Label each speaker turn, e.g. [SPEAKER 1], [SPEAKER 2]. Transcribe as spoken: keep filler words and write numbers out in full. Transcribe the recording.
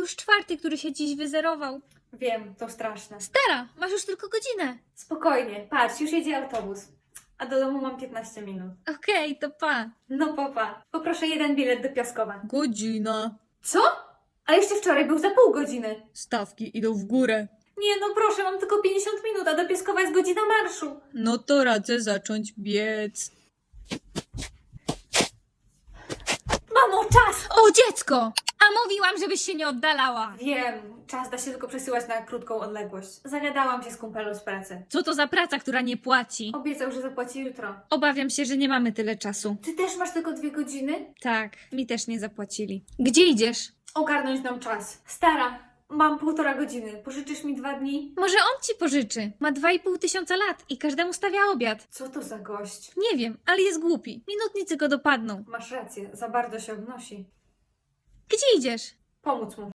[SPEAKER 1] już czwarty, który się dziś wyzerował.
[SPEAKER 2] Wiem, to straszne.
[SPEAKER 1] Stara, masz już tylko godzinę.
[SPEAKER 2] Spokojnie, patrz, już jedzie autobus. A do domu mam piętnaście minut.
[SPEAKER 1] Okej, to pa.
[SPEAKER 2] No popa. Poproszę jeden bilet do Piaskowa.
[SPEAKER 1] Godzina.
[SPEAKER 2] Co? Ale jeszcze wczoraj był za pół godziny.
[SPEAKER 1] Stawki idą w górę.
[SPEAKER 2] Nie, no proszę, mam tylko pięćdziesiąt minut, a do Piaskowa jest godzina marszu.
[SPEAKER 1] No to radzę zacząć biec.
[SPEAKER 2] Mamo, czas!
[SPEAKER 1] O, dziecko! A mówiłam, żebyś się nie oddalała.
[SPEAKER 2] Wiem, czas da się tylko przesyłać na krótką odległość. Zagadałam się z kumpelą z pracy.
[SPEAKER 1] Co to za praca, która nie płaci?
[SPEAKER 2] Obiecał, że zapłaci jutro.
[SPEAKER 1] Obawiam się, że nie mamy tyle czasu.
[SPEAKER 2] Ty też masz tylko dwie godziny?
[SPEAKER 1] Tak, mi też nie zapłacili. Gdzie idziesz?
[SPEAKER 2] Ogarnąć nam czas. Stara, mam półtora godziny. Pożyczysz mi dwa dni?
[SPEAKER 1] Może on ci pożyczy. Ma dwa i pół tysiąca lat i każdemu stawia obiad.
[SPEAKER 2] Co to za gość?
[SPEAKER 1] Nie wiem, ale jest głupi. Minutnicy go dopadną.
[SPEAKER 2] Masz rację, za bardzo się obnosi.
[SPEAKER 1] Gdzie idziesz?
[SPEAKER 2] Pomóc mu.